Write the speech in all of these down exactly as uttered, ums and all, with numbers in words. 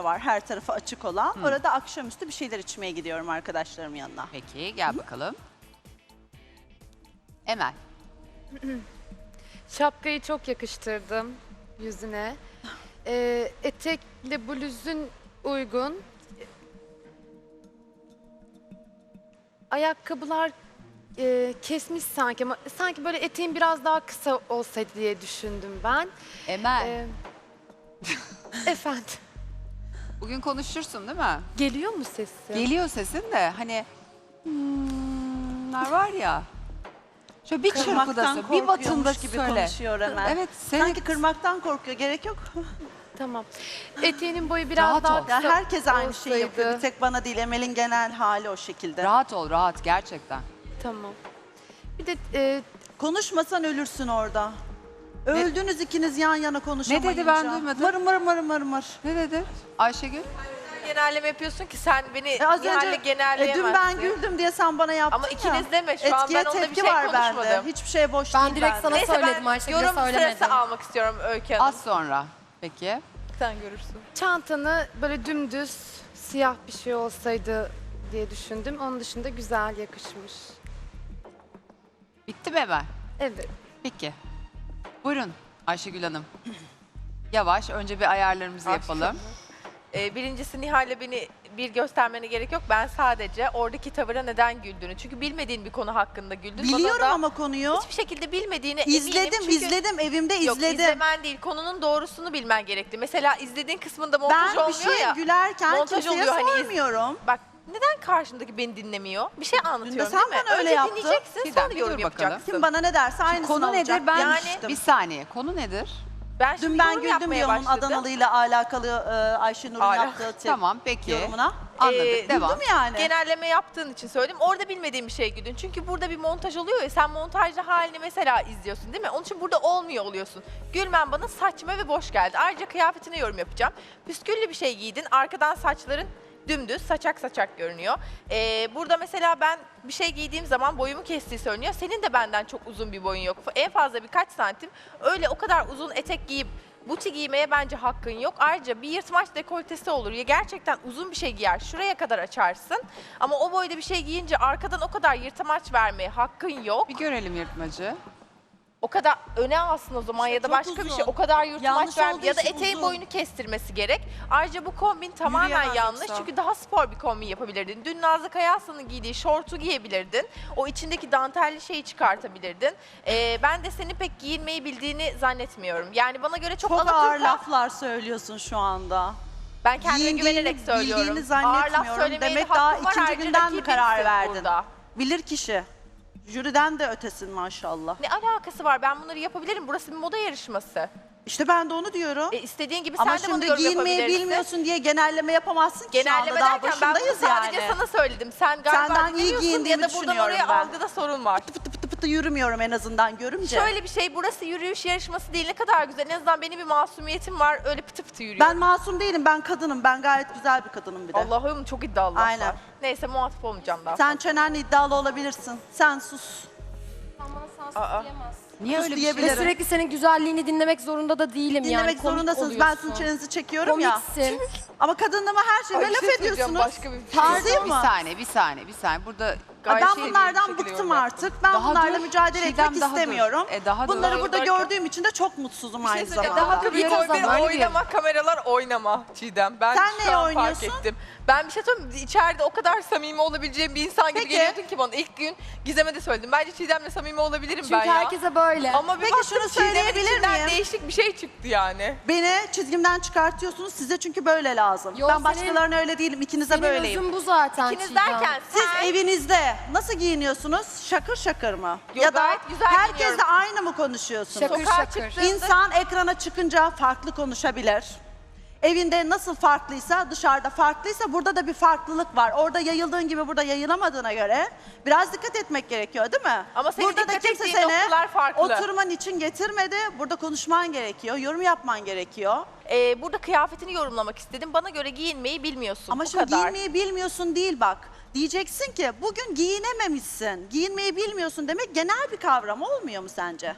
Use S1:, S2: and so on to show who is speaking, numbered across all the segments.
S1: var, her tarafı açık olan. Hmm. Orada akşamüstü bir şeyler içmeye gidiyorum arkadaşlarımın yanına.
S2: Peki gel bakalım. Emel.
S3: Şapkayı çok yakıştırdım yüzüne. Ee, etekle bluzun uygun. Ayakkabılar e, kesmiş sanki ama sanki böyle eteğin biraz daha kısa olsaydı diye düşündüm ben.
S2: Emel.
S3: Ee, efendim.
S2: Bugün konuşursun değil mi?
S3: Geliyor mu sesi?
S2: Geliyor sesin de hani hmm, var ya. Şöyle bir
S1: Kırmaktan
S2: çırpıdasın, bir batında
S1: korkuyormuş gibi
S2: söyle.
S1: konuşuyor hemen.
S2: Evet, seni...
S1: Sanki kırmaktan korkuyor, gerek yok.
S3: Tamam. Eteğinin boyu biraz
S2: Rahat
S3: daha
S2: ol.
S3: kısa
S1: Ya herkes aynı şeyi
S3: olsaydı.
S1: yapıyor. Bir tek bana değil, Emel'in genel hali o şekilde.
S2: Rahat ol, rahat gerçekten.
S3: Tamam. Bir de e,
S1: Konuşmasan ölürsün orada. Öldünüz ikiniz yan yana konuşamayınca.
S2: Ne dedi, ben duymadım.
S1: Mır mır mır mır mır.
S2: Ne dedi Ayşegül?
S4: Genelleme yapıyorsun ki sen beni
S1: E az
S4: Nihal'le
S1: önce e,
S4: genelleyemezsin.
S1: dün ben güldüm diye sen bana yaptın
S4: Ama
S1: ya.
S4: ikiniz deme, şu an
S1: Etkiye
S4: ben onda bir
S1: tepki
S4: şey
S1: var bende.
S4: konuşmadım.
S1: Hiçbir şey boş
S5: Ben
S1: değil
S5: direkt
S1: bende.
S5: sana
S4: Neyse
S5: söyledim,
S4: ben
S5: Ayşegül'e
S4: yorum
S5: söylemedim.
S4: sırası almak istiyorum Öykü Hanım.
S2: Az sonra. Peki.
S4: Sen görürsün.
S3: çantanı böyle dümdüz siyah bir şey olsaydı diye düşündüm. Onun dışında güzel yakışmış.
S2: Bitti mi Emel?
S3: Evet.
S2: Peki. Buyurun Ayşegül Hanım. Yavaş, önce bir ayarlarımızı yapalım.
S4: Ee, birincisi Nihal'le beni bir göstermene gerek yok. Ben sadece oradaki tavıra neden güldüğünü. Çünkü bilmediğin bir konu hakkında güldün.
S1: Biliyorum
S4: Bana da
S1: ama konuyu.
S4: hiçbir şekilde bilmediğine
S1: İzledim,
S4: eminim. Çünkü...
S1: izledim. Evimde
S4: Yok,
S1: izledim.
S4: izlemen değil. Konunun doğrusunu bilmen gerekli. Mesela izlediğin kısmında montaj
S1: Ben bir
S4: olmuyor
S1: şeye
S4: ya.
S1: gülerken
S4: montaj
S1: kimseye
S4: oluyor, hani iz-
S1: sormuyorum.
S4: Bak neden karşımdaki beni dinlemiyor? Bir şey anlatıyorum
S1: sen
S4: değil mi?
S1: bana öyle
S4: Önce
S1: yaptın.
S4: dinleyeceksin,
S2: Çiğdem,
S4: sonra
S2: bir
S4: yorum
S2: dur bakalım.
S4: yapacaksın.
S1: Kim bana ne derse aynısını
S2: Konu
S1: olacak.
S2: nedir? Ben
S1: demiştim.
S2: bir saniye. Konu nedir?
S4: Ben şimdi
S1: Dün ben
S4: yorum
S1: güldüm
S4: yapmaya
S1: diyor onun
S4: başladım.
S1: Adanalıyla alakalı e, Ayşenur'un
S4: Hala.
S1: yaptığı tep-
S2: Tamam, peki.
S1: yorumuna.
S2: Anladık.
S4: Ee,
S2: Devam.
S1: Güldüm yani.
S4: Genelleme yaptığın için söyledim. Orada bilmediğim bir şey güldün. Çünkü burada bir montaj oluyor ya, sen montajlı halini mesela izliyorsun değil mi? Onun için burada olmuyor oluyorsun. Gülmen bana saçma ve boş geldi. Ayrıca kıyafetine yorum yapacağım. Püsküllü bir şey giydin. Arkadan saçların dümdüz, saçak saçak görünüyor. Ee, burada mesela ben bir şey giydiğim zaman boyumu kestiği söyleniyor. Senin de benden çok uzun bir boyun yok. En fazla birkaç santim. Öyle o kadar uzun etek giyip buti giymeye bence hakkın yok. Ayrıca bir yırtmaç dekoltesi olur ya, gerçekten uzun bir şey giyer, şuraya kadar açarsın. Ama o boyda bir şey giyince arkadan o kadar yırtmaç vermeye hakkın yok.
S2: Bir görelim yırtmacı.
S4: O kadar öne alsın o zaman
S1: İşte
S4: ya da
S1: çok
S4: başka bir
S1: uzun.
S4: şey. O kadar yırtmaç
S1: Yanlış
S4: ver
S1: olduğu
S4: ya da
S1: için
S4: eteğin
S1: uzun.
S4: boyunu kestirmesi gerek. Ayrıca bu kombin tamamen
S1: Yürüyemez
S4: yanlış.
S1: yoksa.
S4: Çünkü daha spor bir kombin yapabilirdin. Dün Nazlı Kayaslı'nın giydiği şortu giyebilirdin. O içindeki dantelli şeyi çıkartabilirdin. Ee, ben de senin pek giyinmeyi bildiğini zannetmiyorum. Yani bana göre çok,
S1: Çok
S4: Alaturka.
S1: ağır laflar söylüyorsun şu anda.
S4: Ben kendime
S1: Giyindiğini,
S4: güvenerek söylüyorum.
S1: bildiğini
S4: Ağır laf
S1: zannetmiyorum.
S4: söylemeye de
S1: Demek daha
S4: hakkım var.
S1: ikinci
S4: Ayrıca
S1: günden mi
S4: rakibimsin
S1: karar verdin?
S4: burada.
S1: Bilir kişi. Jüriden de ötesin maşallah.
S4: Ne alakası var? Ben bunları yapabilirim. Burası bir moda yarışması.
S1: İşte ben de onu diyorum.
S4: E, istediğin gibi
S1: Ama
S4: sen de bunu
S1: şimdi
S4: yorum
S1: giyinmeyi
S4: yapabilirsin.
S1: bilmiyorsun diye genelleme yapamazsın ki
S4: Genelleme
S1: şu anda. Daha
S4: derken ben bunu
S1: başındayız
S4: sadece
S1: yani.
S4: sana söyledim. Sen galiba
S1: Senden iyi
S4: dinlemiyorsun
S1: giyindiğimi
S4: ya da buradan
S1: düşünüyorum
S4: oraya
S1: ben.
S4: algıda sorun var.
S1: Pıtı pıtı pıtı yürümüyorum en azından görünce.
S4: Şöyle bir şey, burası yürüyüş yarışması değil, ne kadar güzel. En azından benim bir masumiyetim var, öyle pıtı pıtı yürüyorum.
S1: Ben masum değilim, ben kadınım. Ben gayet güzel bir kadınım bir de.
S4: Allah'ım çok iddialı
S1: Aynen.
S4: laflar. Neyse muhatap olmayacağım daha
S1: Sen
S4: fazla.
S1: çenenle iddialı olabilirsin. Sen sus.
S5: Sen bana
S4: Aa.
S5: sansız diyemezsin.
S2: Niye
S1: Sus
S2: öyle bir
S1: diyebilirim.
S2: şey?
S5: Ve sürekli senin güzelliğini dinlemek zorunda da değilim yani.
S1: Dinlemek
S5: Komik
S1: zorundasınız. Ben
S5: oluyorsun.
S1: sizin çenenizi çekiyorum ya.
S5: Komiksin.
S1: Ama kadınlığıma her şeyime
S4: Ay, bir
S1: laf
S4: şey söyleyeceğim,
S1: ediyorsunuz.
S4: başka bir şey.
S1: Tarzıyım
S2: Bir
S1: mı?
S2: saniye, bir saniye, bir saniye. Burada
S4: Gayet
S1: Ben
S4: şey
S1: bunlardan
S4: bir şekilde
S1: bıktım
S4: yorum
S1: artık. Ben
S2: Daha
S1: bunlarla
S2: dur.
S1: mücadele
S2: Çiğdem,
S1: etmek
S2: daha dur.
S1: istemiyorum.
S2: E, daha dur.
S1: Bunları
S4: Daha
S1: burada
S4: dur derken-
S1: gördüğüm için de çok mutsuzum
S4: Bir şey
S1: aynı
S4: söyleyeceğim.
S1: zamanda.
S4: Daha bir
S5: Yarın
S4: koy bir
S5: zaman bir
S4: oynama, kameralar oynama Çiğdem. Ben
S1: Sen
S4: şu
S1: neye
S4: an
S1: oynuyorsun?
S4: fark ettim. Ben bir şey söyleyeyim mi? İçeride o kadar samimi olabileceğim bir insan gibi
S1: Peki.
S4: geliyordun ki bana. İlk gün Gizem'e de söyledim. Bence Çiğdem'le samimi olabilirim
S5: Çünkü
S4: ben ya.
S5: herkese böyle.
S4: Ama bir
S1: Peki
S4: baktım
S1: şunu
S4: Çiğdem'in
S1: söyleyebilir
S4: içinden
S1: miyim?
S4: değişik bir şey çıktı yani.
S1: Beni çizgimden çıkartıyorsunuz. Size çünkü böyle lazım.
S5: Yo,
S1: ben
S5: senin-
S1: başkalarına öyle değilim. İkinize
S5: Senin
S1: böyleyim.
S5: özün bu zaten
S4: İkiniz
S5: Çiğdem.
S4: derken
S1: Siz
S4: sen...
S1: evinizde nasıl giyiniyorsunuz? Şakır şakır mı?
S4: Yo,
S1: ya da
S4: gayet güzel
S1: herkesle
S4: giyiniyorum.
S1: aynı mı konuşuyorsunuz?
S5: Şakır
S4: Sokağa
S5: şakır.
S4: çıktığında-
S1: İnsan ekrana çıkınca farklı konuşabilir. Evinde nasıl farklıysa, dışarıda farklıysa burada da bir farklılık var. Orada yayıldığın gibi burada yayılamadığına göre biraz dikkat etmek gerekiyor değil mi?
S4: Ama senin
S1: burada da
S4: dikkat
S1: kimse
S4: ettiğin
S1: seni
S4: noktalar farklı.
S1: oturman için getirmedi. Burada konuşman gerekiyor, yorum yapman gerekiyor.
S4: Ee, burada kıyafetini yorumlamak istedim. Bana göre giyinmeyi bilmiyorsun.
S1: Ama
S4: bu
S1: şimdi
S4: kadar.
S1: giyinmeyi bilmiyorsun değil bak. Diyeceksin ki bugün giyinememişsin. Giyinmeyi bilmiyorsun demek genel bir kavram olmuyor mu sence?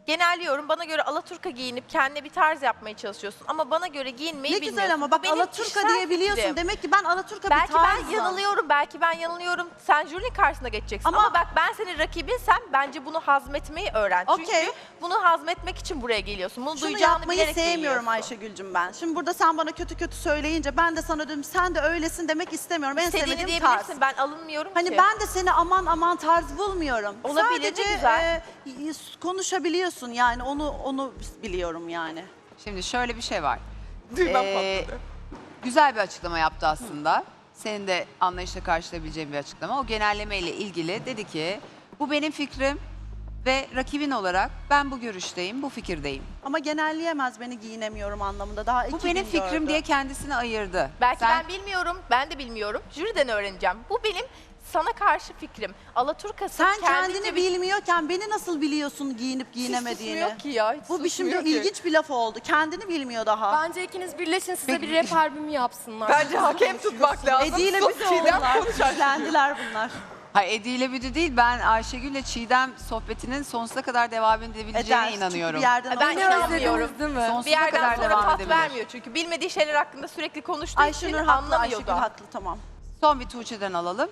S4: Genelliyorum. Bana göre alaturka giyinip kendine bir tarz yapmaya çalışıyorsun. Ama bana göre giyinmeyi
S1: Ne
S4: bilmiyorsun.
S1: güzel ama
S4: Bu
S1: bak
S4: benim
S1: Alaturka
S4: kişisel
S1: diyebiliyorsun.
S4: fikrim.
S1: Demek ki ben Alaturka
S4: Belki
S1: bir tarzım.
S4: ben yanılıyorum, belki ben yanılıyorum. Sen jürinin karşısına geçeceksin.
S1: Ama-
S4: Ama, bak ben senin rakibinsem bence bunu hazmetmeyi öğren.
S1: Okey.
S4: Çünkü bunu hazmetmek için buraya geliyorsun. Bunu
S1: Şunu
S4: duyacağını
S1: yapmayı
S4: bilerek
S1: sevmiyorum
S4: geliyorsun.
S1: Ayşegül'cüm ben. Şimdi burada sen bana kötü kötü söyleyince ben de sana dedim sen de öylesin demek istemiyorum. En
S4: İstediğini
S1: sevmediğim tarz.
S4: diyebilirsin. Ben alınmıyorum
S1: Hani
S4: ki.
S1: ben de seni aman aman tarz bulmuyorum.
S4: Olabilir, ne
S1: Sadece
S4: güzel.
S1: e, konuşabiliyorsun yani onu onu biliyorum yani.
S2: Şimdi şöyle bir şey var.
S4: Düğmem
S2: Ee,
S4: patladı.
S2: güzel bir açıklama yaptı aslında. Senin de anlayışla karşılayabileceğin bir açıklama. O genelleme ile ilgili dedi ki bu benim fikrim ve rakibin olarak ben bu görüşteyim, bu fikirdeyim.
S1: Ama genelleyemez beni giyinemiyorum anlamında. Daha
S2: Bu
S1: iki
S2: benim
S1: gün
S2: fikrim
S1: gördü.
S2: diye kendisini ayırdı.
S4: Belki
S2: Sen-
S4: ben bilmiyorum, ben de bilmiyorum. Jüriden öğreneceğim. Bu benim sana karşı fikrim. Alaturkası
S1: Sen
S4: kendince
S1: kendini
S4: bir-
S1: bilmiyorken beni nasıl biliyorsun giyinip
S4: Hiç
S1: giyinemediğini?
S4: susmuyor ki ya. Hiç
S1: Bu bir şimdi
S4: susmuyor ki.
S1: ilginç bir laf oldu. Kendini bilmiyor daha.
S5: Bence ikiniz birleşin size bir rap albümü yapsınlar.
S4: Bence hakem tutmak lazım.
S1: Edi ile
S4: Sus,
S1: bizi
S4: Çiğdem
S1: oldular.
S4: konuşacak.
S1: Güçlendiler bunlar.
S2: Hayır, Edi ile Büdü değil, ben Ayşegül'le Çiğdem sohbetinin sonsuza kadar devam edebileceğine
S1: Eder. Çünkü
S2: inanıyorum.
S1: bir yerden
S4: Ben
S1: onu-
S4: inanmıyorum.
S5: Değil mi?
S2: Sonsuza
S4: Bir yerden
S2: kadar
S4: sonra
S2: devam
S4: tat
S2: edebilir.
S4: vermiyor çünkü bilmediği şeyler hakkında sürekli konuştuğu
S1: Ayşenur
S4: için
S1: haklı,
S4: anlamıyor
S1: Ayşegül
S4: da.
S1: haklı tamam.
S2: Son bir Tuğçe'den alalım.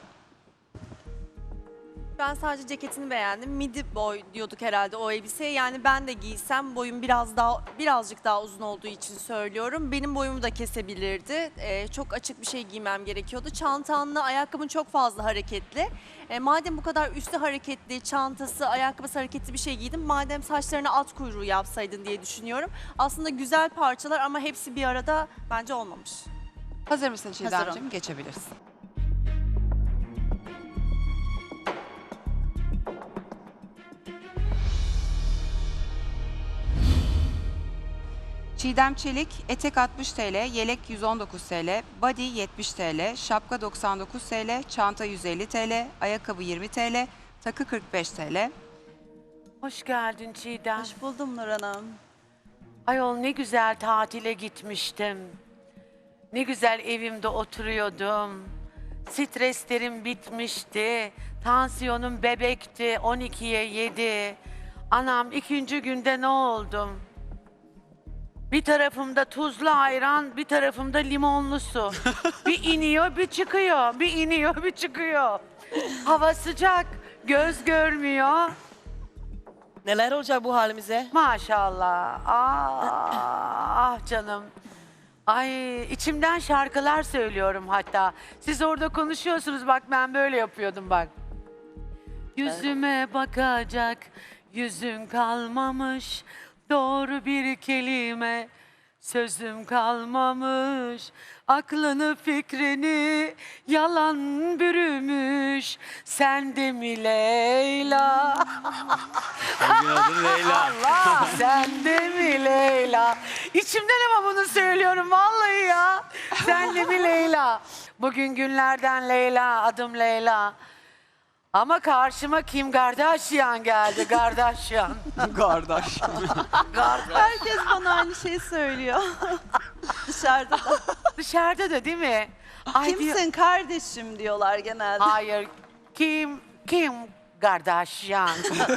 S6: Ben sadece ceketini beğendim. Midi boy diyorduk herhalde o elbiseye. Yani ben de giysem boyum biraz daha birazcık daha uzun olduğu için söylüyorum. Benim boyumu da kesebilirdi. Ee, çok açık bir şey giymem gerekiyordu. Çantanla ayakkabın çok fazla hareketli. Ee, madem bu kadar üstü hareketli, çantası, ayakkabısı hareketli bir şey giydim. Madem saçlarına at kuyruğu yapsaydın diye düşünüyorum. Aslında güzel parçalar ama hepsi bir arada bence olmamış.
S2: Hazır mısın Çiğdem'ciğim?
S1: Hazırım.
S2: Geçebilirsin. Çiğdem Çelik, etek altmış TL, yelek yüz on dokuz TL, body yetmiş TL, şapka doksan dokuz TL, çanta yüz elli TL, ayakkabı yirmi TL, takı kırk beş TL.
S7: Hoş geldin Çiğdem.
S1: Hoş buldum Nur Hanım.
S7: Ayol ne güzel tatile gitmiştim. Ne güzel evimde oturuyordum. Streslerim bitmişti. Tansiyonum bebekti. on ikiye yedi. Anam ikinci günde ne oldum? Bir tarafımda tuzlu ayran, bir tarafımda limonlu su. Bir iniyor, bir çıkıyor. Bir iniyor, bir çıkıyor. Hava sıcak, göz görmüyor.
S8: Neler olacak bu halimize?
S7: Maşallah. Ah, ah canım. Ay içimden şarkılar söylüyorum hatta. Siz orada konuşuyorsunuz bak ben böyle yapıyordum bak. Yüzüme bakacak yüzün kalmamış. Doğru bir kelime sözüm kalmamış. Aklını fikrini yalan bürümüş. Sen de mi Leyla?
S8: Günaydın Leyla.
S7: Allah sen de mi Leyla? İçimden ama bunu söylüyorum vallahi ya. Sen de mi Leyla? Bugün günlerden Leyla, adım Leyla. Ama karşıma Kim Kardashian geldi, Kardashian.
S8: Kardeş.
S1: Herkes bana aynı şeyi söylüyor. Dışarıda da.
S7: Dışarıda da değil mi? Ay diyor-
S1: Kimsin kardeşim diyorlar genelde.
S7: Hayır, Kim, Kim Kardashian.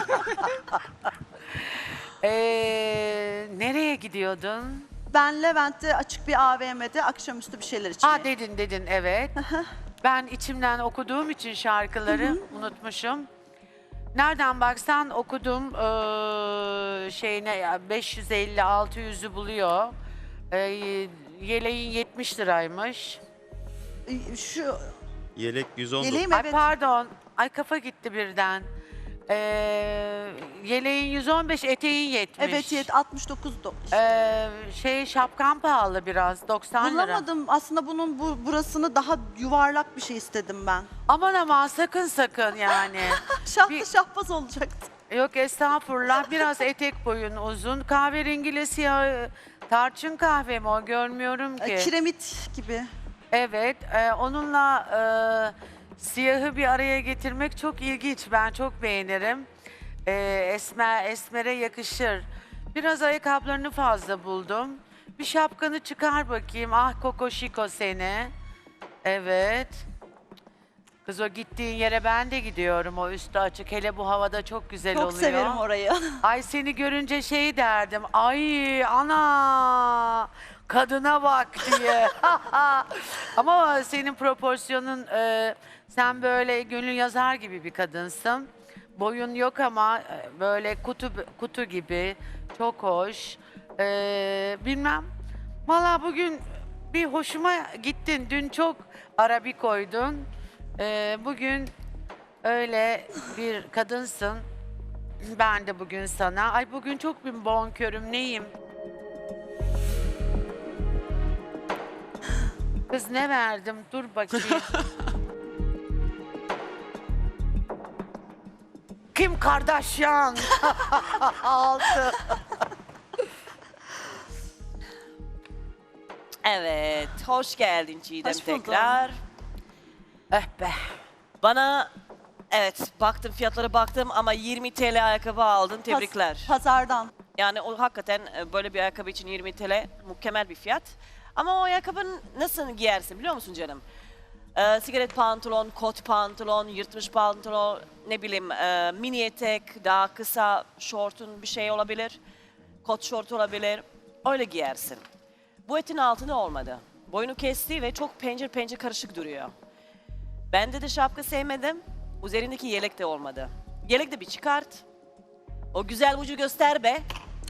S7: ee, nereye gidiyordun?
S1: Ben Levent'te açık bir A V M'de akşamüstü bir şeyler içmeye.
S7: Ha dedin dedin evet. Ben içimden okuduğum için şarkıları unutmuşum. Nereden baksan okudum eee şeyine ya beş yüz elli altı yüzü buluyor. Eee, yeleğin yetmiş liraymış.
S1: Şu
S8: Yelek yüz on dokuz.
S1: yeleğim
S7: Ay
S1: evet.
S7: pardon. Ay kafa gitti birden. Eee yeleğin yüz on beş, eteğin yetmiş.
S1: Evet yet altmış dokuz do-
S7: Eee, şey şapkan pahalı biraz doksan lira.
S1: Bulamadım. Aslında bunun bu burasını daha yuvarlak bir şey istedim ben.
S7: Aman aman sakın sakın yani.
S1: Şahlı
S7: Bir-
S1: şahbaz olacaktı.
S7: Yok estağfurullah biraz etek boyun uzun. Kahverengiyle siyah tarçın kahve mi o görmüyorum ki.
S1: Ee, Kiremit gibi.
S7: Evet e, onunla e, siyahı bir araya getirmek çok ilginç. Ben çok beğenirim. E, esmer, esmere yakışır. Biraz ayakkabılarını fazla buldum. Bir şapkanı çıkar bakayım. Ah kokoşiko seni. Evet. Kız o gittiğin yere ben de gidiyorum. O üstü açık. Hele bu havada çok güzel
S1: Çok
S7: oluyor.
S1: severim orayı.
S7: Ay seni görünce şey derdim. Ay ana kadına bak diye. Ama senin proporsiyonun e, sen böyle gönül yazar gibi bir kadınsın. Boyun yok ama e, böyle kutu kutu gibi çok hoş. E, bilmem. Valla bugün bir hoşuma gittin. Dün çok arabi koydun. E, bugün öyle bir kadınsın. Ben de bugün sana. Ay bugün çok bir bonkörüm neyim? Kız ne verdim? Dur bakayım. Kim Kardashian? Altı.
S9: Evet, hoş geldin Çiğdem
S1: Hoş buldum.
S9: tekrar.
S7: Eh be.
S9: Bana, evet baktım fiyatlara baktım ama yirmi T L ayakkabı aldın, tebrikler.
S1: Pas- Pazardan.
S9: Yani o hakikaten e, böyle bir ayakkabı için yirmi T L mükemmel bir fiyat. Ama o ayakkabını nasıl giyersin biliyor musun canım? Ee, sigaret pantolon, kot pantolon, yırtmış pantolon, ne bileyim e, mini etek, daha kısa şortun bir şey olabilir. Kot şort olabilir. Öyle giyersin. Bu etin altına olmadı. Boyunu kesti ve çok pencir pencir karışık duruyor. Ben de de şapka sevmedim. Üzerindeki yelek de olmadı. Yelek de bir çıkart. O güzel ucu göster be.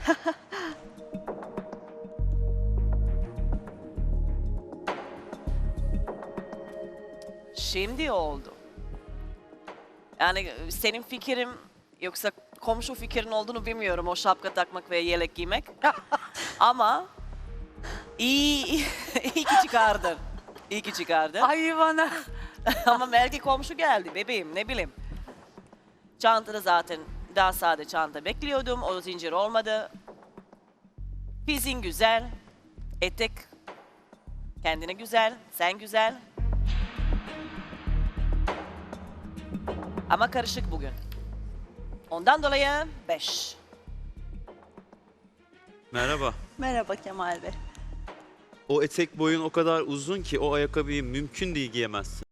S9: Şimdi oldu. Yani senin fikrin yoksa komşu fikrin olduğunu bilmiyorum o şapka takmak ve yelek giymek. Ama iyi, iyi ki çıkardın. İyi ki çıkardın.
S7: Ay bana.
S9: Ama belki komşu geldi bebeğim ne bileyim. Çantada zaten daha sade çanta bekliyordum. O zincir olmadı. Fizin güzel. Etek kendine güzel. Sen güzel. Ama karışık bugün. Ondan dolayı beş.
S8: Merhaba.
S1: Merhaba Kemal Bey.
S8: O etek boyun o kadar uzun ki o ayakkabıyı mümkün değil giyemezsin.